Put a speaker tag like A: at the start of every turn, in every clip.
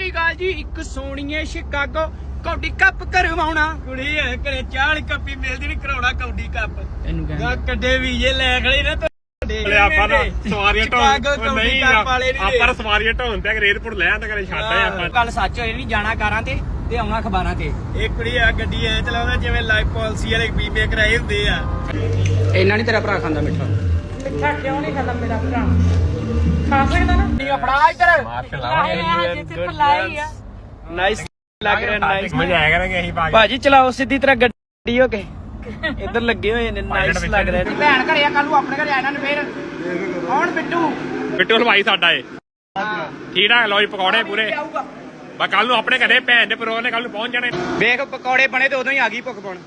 A: ਸ੍ਰੀ ਅਕਾਲ ਜੀ। ਇੱਕ ਸੋਹਣੀਏ Chicago ਕੌਡੀ cup ਕਰਵਾਉਣਾ ਕੁੜੀ ਐ ਘਰੇ 40 ਕੱਪੀ ਮਿਲਦੀ ਨਹੀਂ ਕਰਾਉਣਾ ਕੌਡੀ ਕੱਪ ਤੈਨੂੰ ਕਹਿੰਦਾ ਕੱਡੇ ਵੀਜੇ ਲੈ ਖੜੇ ਨਾ
B: ਆਪਾਂ ਨਾ ਸਵਾਰੀਆਂ ਢੋਣ ਨਹੀਂ
A: ਆਪਾਂ
B: ਸਵਾਰੀਆਂ ਢੋਣ ਤੇ ਰੇਤਪੁਰ ਲੈ ਆਂਦਾ ਕਰੇ ਛੱਡ ਆਏ ਆਪਾਂ
A: ਕੱਲ ਸੱਚ ਹੋਏ ਨਹੀਂ ਜਾਣਾ ਕਾਰਾਂ ਤੇ ਆਉਣਾ ਅਖਬਾਰਾਂ ਤੇ ਇਹ ਕੁੜੀ ਆ ਗੱਡੀ ਐ ਚਲਾਉਂਦਾ ਜਿਵੇਂ ਲਾਈਫ ਪਾਲਿਸੀ ਵਾਲੇ ਬੀਮੇ ਕਰਾਏ ਹੁੰਦੇ ਆ। ਇੰਨਾ ਨਹੀਂ ਤੇਰਾ ਭਰਾ ਖਾਂਦਾ ਮਿੱਠਾ
C: ਮਿੱਠਾ ਕਿਉਂ ਨਹੀਂ ਖਾਂਦਾ ਮੇਰਾ ਭਰਾ? ਖਾ ਸਕਦਾ ਨਾ?
A: ਨਹੀਂ ਫੜਾ ਇੱਧਰ
C: ਜਿੱਥੇ ਫਲਾਈ ਆ
A: ਨਾਈਸ ਲੱਗ ਰਿਹਾ ਨਾਈਸ
B: ਮਜ਼ਾ ਆਇਆ ਕਰਾਂਗੇ ਅਸੀਂ
A: ਭਾਜੀ ਚਲਾਓ ਸਿੱਧੀ ਤਰ੍ਹਾਂ ਗੱਡੀ ਹੋ ਕੇ ਇੱਧਰ ਲੱਗੇ ਹੋਏ ਨੇ ਨਾਈਸ ਲੱਗ ਰਿਹਾ। ਭੈਣ ਘਰੇ ਆ ਕੱਲ ਨੂੰ ਆਪਣੇ ਘਰੇ ਆਣਾ ਨੇ ਫੇਰ ਕੌਣ ਬਿੱਟੂ
B: ਹਲਵਾਈ ਸਾਡਾ ਏ ਠੀਕ ਆ ਲੋ ਜੀ ਪਕੌੜੇ ਪੂਰੇ ਬਾ ਕੱਲ ਨੂੰ ਆਪਣੇ ਘਰੇ ਭੈਣ ਦੇ ਪਰੋਹ ਨੇ ਕੱਲ ਨੂੰ ਪਹੁੰਚ ਜਾਣੇ
A: ਵੇਖ ਪਕੌੜੇ ਬਣੇ ਤੇ ਉਦੋਂ ਹੀ ਆ ਗਈ ਭੁੱਖ ਪਾਉਣ।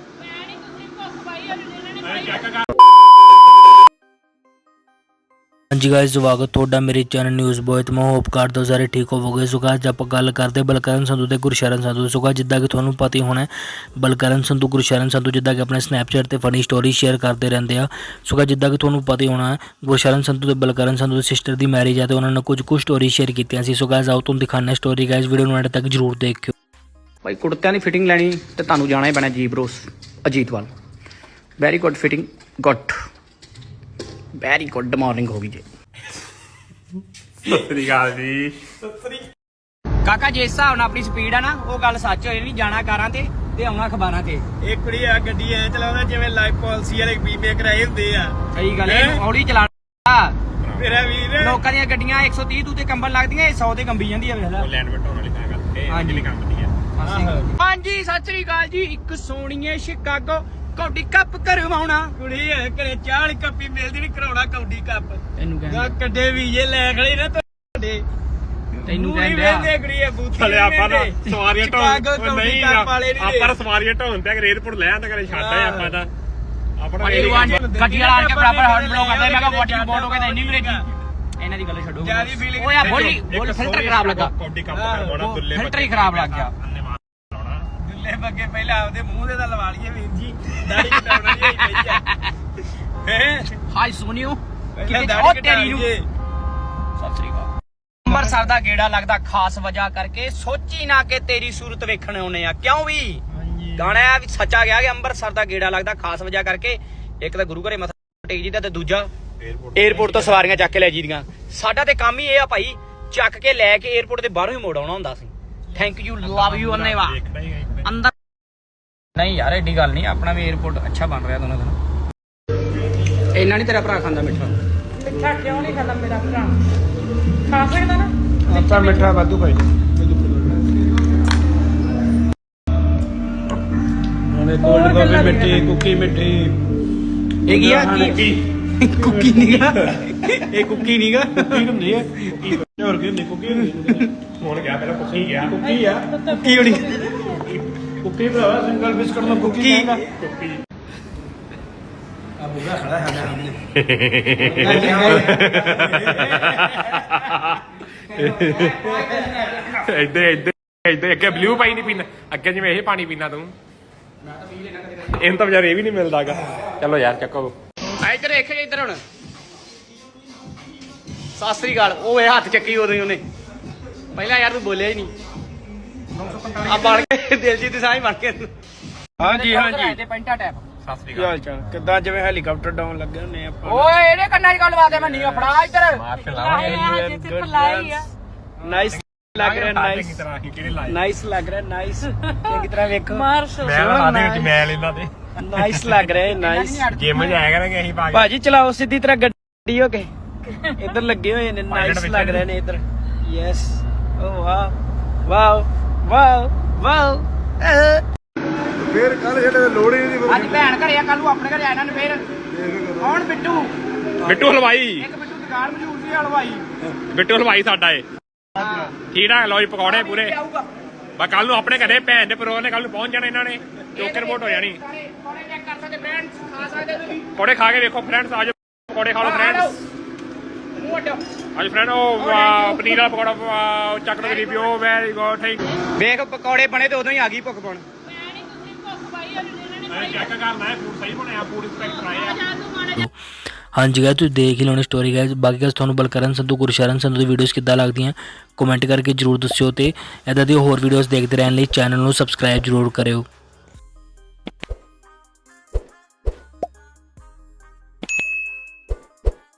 D: ਹਾਂਜੀ ਗਾਇਸ ਸਵਾਗਤ ਤੁਹਾਡਾ ਮੇਰੇ ਚੈਨਲ ਨਿਊਜ਼ ਬੋਏ ਤੇ ਮੈਂ ਹੋਪ ਕਰਦਾ ਹਾਂ ਸਾਰੇ ਠੀਕ ਹੋਵੋਗੇ। ਸੋ ਅੱਜ ਆਪਾਂ ਗੱਲ ਕਰਦੇ ਬਲਕਰਨ ਸੰਧੂ ਤੇ ਗੁਰਸ਼ਰਨ ਸੰਧੂ। ਸੋ ਜਿੱਦਾਂ ਕਿ ਤੁਹਾਨੂੰ ਪਤਾ ਹੀ ਹੋਣਾ ਬਲਕਰਨ ਸੰਧੂ ਗੁਰਸ਼ਰਨ ਸੰਧੂ ਜਿੱਦਾਂ ਕਿ ਆਪਣੇ ਸਨੈਪਚੈਟ ਤੇ ਫਨੀ ਸਟੋਰੀ ਸ਼ੇਅਰ ਕਰਦੇ ਰਹਿੰਦੇ ਆ। ਸੋ ਜਿੱਦਾਂ ਕਿ ਤੁਹਾਨੂੰ ਪਤਾ ਹੀ ਹੋਣਾ ਗੁਰਸ਼ਰਨ ਸੰਧੂ ਤੇ ਬਲਕਰਨ ਸੰਧੂ ਦੀ ਸਿਸਟਰ ਦੀ ਮੈਰਿਜ ਹੈ ਤੇ ਉਹਨਾਂ ਨੇ ਕੁਝ ਸਟੋਰੀ ਸ਼ੇਅਰ ਕੀਤੀਆਂ ਸੀ। ਸੋ ਗਾਇਸ ਆਓ ਤੁਹਾਨੂੰ ਦਿਖਾਉਂਦੇ ਸਟੋਰੀ ਗਾਇਸ ਵੀਡੀਓ ਨੂੰ ਐਂਡ ਤੱਕ ਜ਼ਰੂਰ ਦੇਖਿਓ।
A: ਭਾਈ ਕੁੜਤਿਆਂ ਦੀ ਫਿਟਿੰਗ ਲੈਣੀ ਤੇ ਤੁਹਾਨੂੰ ਜਾਣਾ ਹੀ ਪੈਣਾ ਜੀ bros Ajitwal. Very good fitting good very good morning ਹੋ ਗਈ ਜੀ।
B: ਸਤਿ ਸ੍ਰੀ ਅਕਾਲ ਜੀ
A: ਕਾਕਾ ਜਿਸ ਹਿਸਾਬ ਨਾਲ ਆਪਣੀ ਸਪੀਡ ਆ ਨਾ ਉਹ ਗੱਲ ਸੱਚ ਹੋਏ ਨਹੀਂ ਜਾਣਾ ਕਾਰਾਂ ਤੇ ਆਉਣਾ ਅਖਬਾਰਾਂ ਤੇ। ਇਹ ਕੁੜੀ ਆ ਗੱਡੀ ਐ ਚਲਾਉਂਦਾ ਜਿਵੇਂ ਲਾਈਫ ਪਾਲਿਸੀ ਵਾਲੇ ਬੀਮੇ ਕਰਾਏ ਹੁੰਦੇ ਆ। ਸਹੀ ਗੱਲ ਹੈ ਹੌਲੀ ਚਲਾਣਾ ਮੇਰਾ ਵੀਰ। ਲੋਕਾਂ ਦੀਆਂ ਗੱਡੀਆਂ 130 ਤੂੰ ਤੇ ਕੰਬਣ ਲੱਗਦੀਆਂ 100 ਤੇ ਕੰਬੀ ਜਾਂਦੀ ਆ ਵੇਖ ਲੈ।
B: ਲੈਂਡ ਬਟਾਉਣ ਵਾਲੀ ਤਾਂ ਗੱਲ ਇਹ
A: ਹਾਂਜੀ
B: ਕੰਮ ਦੀ ਆ।
A: ਹਾਂਜੀ ਸਤਿ ਸ੍ਰੀ ਅਕਾਲ ਜੀ। ਇੱਕ ਸੋਹਣੀਏ ਸ਼ਿਕਾਗੋ ਕੌਡੀ ਕੱਪ ਕਰਵਾਉਣਾ ਕੁੜੀ ਐ ਘਰੇ 40 ਕੱਪੀ ਮਿਲਦੀ ਨਹੀਂ ਕਰਾਉਣਾ ਕੌਡੀ ਕੱਪ ਤੈਨੂੰ ਕਹਿੰਦਾ ਕੱਡੇ ਵੀਜੇ ਲੈ ਖੜੇ ਨਾ ਤੁਹਾਡੇ ਤੈਨੂੰ ਕਹਿੰਦਾ ਕੁੜੀ ਐ ਬੂਥੀ
B: ਚਲੇ ਆਪਾਂ ਨਾ ਸਵਾਰੀਆਂ ਢੋਣ ਨਹੀਂ
A: ਆਪਾਂ
B: ਸਵਾਰੀਆਂ ਢੋਣ ਤੇ ਰੇਤਪੁਰ ਲੈ ਆਂਦਾ ਕਰੇ ਛੱਡ ਆਏ ਆਪਾਂ ਤਾਂ ਆਪਣਾ
A: ਗੱਡੀ ਵਾਲਾ ਆਣ ਕੇ ਬਰਾਬਰ ਹੌਰਨ ਬਲੋ ਕਰਦਾ। ਮੈਂ ਕਿਹਾ ਵਾਟੀ ਬੋਰਡ ਹੋ ਗਿਆ ਤਾਂ ਇੰਨੀ ਅੰਗਰੇਜ਼ੀ ਇਹਨਾਂ ਦੀ ਗੱਲ ਛੱਡੋ। ਓਏ ਆ ਬੋਲੀ ਫਿਲਟਰ ਖਰਾਬ ਲੱਗਾ
B: ਕੌਡੀ ਕੱਪ ਕਰਵਾਉਣਾ ਦੁੱਲੇ
A: ਫਿਲਟਰ ਹੀ ਖਰਾਬ ਲੱਗ ਗਿਆ। ਦੁੱਲੇ ਬੱਗੇ ਪਹਿਲਾਂ ਆਪਦੇ ਮੂੰਹ ਦੇ ਤਾਂ ਲਵਾ ਲਈਏ ਵੀਰ ਜੀ ਦਾੜੀ ਕਟਾਉਣਾ ਨਹੀਂ ਪਈ ਆ। ਹਾਈ ਸੋਨੀਓ ਕਿਤੇ ਉਹ ਤੇਰੀ ਨੂੰ ਸਤਿ ਸ੍ਰੀ ਅਕਾਲ। ਅੰਮ੍ਰਿਤਸਰ ਦਾ ਗੇੜਾ ਲੱਗਦਾ ਖਾਸ ਵਜ੍ਹਾ ਕਰਕੇ ਸੋਚੀ ਨਾ ਕਿ ਤੇਰੀ ਸੂਰਤ ਵੇਖਣ ਆਉਨੇ ਆ ਕਿਉਂ ਵੀ ਗਾਣਾ ਵੀ ਸੱਚਾ ਗਿਆ ਕਿ ਅੰਮ੍ਰਿਤਸਰ ਦਾ ਗੇੜਾ ਲੱਗਦਾ ਖਾਸ ਵਜ੍ਹਾ ਕਰਕੇ। ਇੱਕ ਤਾਂ ਗੁਰੂ ਘਰੇ ਮੱਥਾ ਟੇਕ ਜੀਦਾ ਤੇ ਦੂਜਾ ਏਅਰਪੋਰਟ ਤੋਂ ਸਵਾਰੀਆਂ ਚੱਕ ਕੇ ਲੈ ਜੀਦੀਆਂ। ਸਾਡਾ ਤੇ ਕੰਮ ਹੀ ਇਹ ਆ ਭਾਈ ਚੱਕ ਕੇ ਲੈ ਕੇ ਏਅਰਪੋਰਟ ਦੇ ਬਾਹਰੋਂ ਹੀ ਮੋੜ ਆਉਣਾ ਹੁੰਦਾ ਸੀ। ਥੈਂਕ ਯੂ ਲਵ ਯੂ ਅੰਨੇਵਾ ਅੰਦਰ ਨਹੀਂ ਯਾਰ ਐਡੀ ਗੱਲ ਨਹੀਂ ਆਪਣਾ ਵੀ ਏਅਰਪੋਰਟ ਅੱਛਾ ਬਣ ਰਿਹਾ ਦੋਨੋਂ ਦਿਨ। ਇੰਨਾ ਨਹੀਂ ਤੇਰਾ ਭਰਾ ਖਾਂਦਾ ਮਿੱਠਾ?
C: ਮਿੱਠਾ ਕਿਉਂ ਨਹੀਂ ਖਾਂਦਾ ਮੇਰਾ ਭਰਾ? ਖਾ ਸਕਦਾ ਨਾ?
B: ਆਪਾਂ ਮਿੱਠਾ ਵਾਧੂ ਭਾਈ
A: ਉਹਨੇ ਕੋਲਡ ਕਾਫੀ ਮਿੱਠੀ ਕੁੱਕੀ ਮਿੱਠੀ ਇਹ ਕੀ ਆ ਕੁੱਕੀ ਨੀਗਾ ਇਹ ਕੁੱਕੀ ਨੀਗਾ ਕੁੱਕੀ ਹੁੰਦੀ ਹੈ ਹੋਰ ਕੀ ਹੁੰਦੀ ਕੁੱਕੀ
B: ਹੁਣ ਗਿਆ ਪਹਿਲਾਂ ਕੁੱਕੀ ਗਿਆ
A: ਕੁੱਕੀ ਆ ਕੁੱਕੀ ਹੋਣੀ
B: ਕੁੱਕੀ ਭਰਾਵਾ ਸਿੰਗਲ ਬਿਸਕਟ ਨੂੰ
A: ਕੁੱਕੀ
B: ਕੁੱਕੀ
A: ਆ ਬੁਗਾ ਖੜਾ ਹੈ
B: ਇੱਧਰ ਅੱਗੇ ਬਲੂ ਪਾਈ ਨਹੀਂ ਪੀਣਾ ਅੱਗੇ ਜਿਵੇਂ ਇਹ ਪਾਣੀ ਪੀਣਾ ਤੂੰ ਇਹਨੂੰ ਤਾਂ ਵਿਚਾਰੇ ਇਹ ਵੀ ਨਹੀਂ ਮਿਲਦਾਗਾ। ਚਲੋ ਯਾਰ ਚੱਕੋ
A: ਇੱਧਰ ਦੇਖ ਇੱਧਰ ਹੁਣ ਸਤਿ ਸ੍ਰੀ ਅਕਾਲ। ਉਹ ਇਹ ਹੱਥ ਚੱਕੀ ਉਦੋਂ ਹੀ ਉਹਨੇ ਪਹਿਲਾਂ ਯਾਰ ਤੂੰ ਬੋਲਿਆ ਹੀ ਨਹੀਂ ਆ ਬਣ ਕੇ ਦਿਲਜੀਤ ਸਾਹ ਹੀ ਬਣ ਕੇ। ਹਾਂਜੀ ਹਾਂਜੀ ਤੇ ਪੈਂਟਾ ਟੈਪ
B: ਸਤਿ ਸ੍ਰੀ
A: ਕੀ ਹਾਲ ਚਾਲ ਕਿੱਦਾਂ ਜਿਵੇਂ ਹੈਲੀਕਾਪਟਰ ਡਾਊਨ ਲੱਗੇ ਹੁੰਨੇ ਆਪਾਂ।
C: ਓਏ ਇਹਦੇ ਕੰਨਾਂ 'ਚ ਗੱਲ ਲਵਾ ਦੇ ਮੈਂ ਨਹੀਂ ਫੜਾ ਇੱਧਰ
B: ਅਕਾਲ
C: ਜਿੱਥੇ ਫਲਾਈ ਆ
A: ਨਾਈਸ ਲੱਗ ਰਿਹਾ ਨਾਈਸ
B: ਤਰ੍ਹਾਂ ਹੀ ਕਿਹੜੇ ਲਾਏ
A: ਨਾਈਸ ਲੱਗ ਰਿਹਾ ਨਾਈਸ ਚੰਗੀ ਤਰ੍ਹਾਂ ਵੇਖੋ
C: ਮਾਰਸ਼
B: ਮੈਂ ਲਾ ਦੇ ਵਿੱਚ ਮੈਲ ਇਹਨਾਂ ਤੇ
A: ਨਾਈਸ ਲੱਗ ਰਿਹਾ ਨਾਈਸ।
B: ਜਿਮ ਜਾਇਆ ਕਰਾਂਗੇ ਅਸੀਂ
A: ਭਾਜੀ ਚਲਾਓ ਸਿੱਧੀ ਤਰ੍ਹਾਂ ਗੱਡੀ ਹੋ ਕੇ ਇੱਧਰ ਲੱਗੇ ਹੋਏ ਨੇ ਨਾਈਸ ਲੱਗ ਰਹੇ ਨੇ ਇੱਧਰ। Yes oh wow wow wow wow
E: ਫੇਰ ਕੱਲ ਜਿਹੜੇ ਲੋੜ ਹੀ ਨਹੀਂ
A: ਅੱਜ ਭੈਣ ਘਰੇ ਆ ਕੱਲ ਨੂੰ ਆਪਣੇ ਘਰੇ ਆਣਾ ਨੇ ਫੇਰ ਕੌਣ
B: ਬਿੱਟੂ ਹਲਵਾਈ
A: ਇੱਕ ਬਿੱਟੂ ਦੁਕਾਨ ਮਸ਼ਹੂਰ ਸੀ ਹਲਵਾਈ
B: ਬਿੱਟੂ ਹਲਵਾਈ ਸਾਡਾ ਏ ਠੀਕ ਆ ਲੋ ਜੀ ਪਕੌੜੇ ਪੂਰੇ ਬਾ ਕੱਲ ਨੂੰ ਆਪਣੇ ਘਰੇ ਭੈਣ ਦੇ ਪਰੋਹ ਨੇ ਕੱਲ ਨੂੰ ਪਹੁੰਚ ਜਾਣਾ ਇਹਨਾਂ ਨੇ ਚੋਕੇ ਰਿਪੋਰਟ ਹੋ ਜਾਣੀ।
A: ਪਕੌੜੇ ਚੈੱਕ ਕਰ ਸਕਦੇ ਫਰੈਂਡਸ ਖਾ ਸਕਦੇ ਤੁਸੀਂ
B: ਪਕੌੜੇ ਖਾ ਕੇ ਵੇਖੋ ਫਰੈਂਡਸ ਆਜੋ ਪਕੌੜੇ ਖਾ ਲਓ ਫਰੈਂਡਸ
A: ਮੂੰਹ ਅੱਡੋ
B: ਅੱਜ ਫਰੈਂਡ ਉਹ ਪਨੀਰ ਵਾਲਾ ਪਕੌੜਾ ਚੱਕ ਲਓ ਰਿਵਿਊ ਵੈਰੀ ਗੁੱਡ ਥੈਂਕ
A: ਵੇਖ ਪਕੌੜੇ ਬਣੇ ਤੇ ਉਦੋਂ ਹੀ ਆ ਗਈ ਭੁੱਖ ਪਾਉਣ।
B: ਚੈੱਕ ਕਰਨਾ ਹੈ ਫੂਡ ਸਹੀ ਬਣਿਆ ਫੂਡ ਇੰਸਪੈਕਟਰ ਆਏ ਆ।
D: ਹਾਂਜੀ ਗਾਇਸ ਤੁਸੀਂ ਦੇਖ ਹੀ ਲਓਣੀ ਸਟੋਰੀ ਗਾਇਸ। ਬਾਕੀ ਗਾਇਸ ਤੁਹਾਨੂੰ ਬਲਕਰਨ ਸੰਧੂ ਗੁਰਸ਼ਰਨ ਸੰਧੂ ਦੀ ਵੀਡੀਓਜ਼ ਕਿੱਦਾਂ ਲੱਗਦੀਆਂ ਕਮੈਂਟ ਕਰਕੇ ਜਰੂਰ ਦੱਸਿਓ ਤੇ ਇਦਾਂ ਦੀ ਹੋਰ ਵੀਡੀਓਜ਼ ਦੇਖਦੇ ਰਹਿਣ ਲਈ ਚੈਨਲ ਨੂੰ ਸਬਸਕ੍ਰਾਈਬ ਜਰੂਰ ਕਰਿਓ।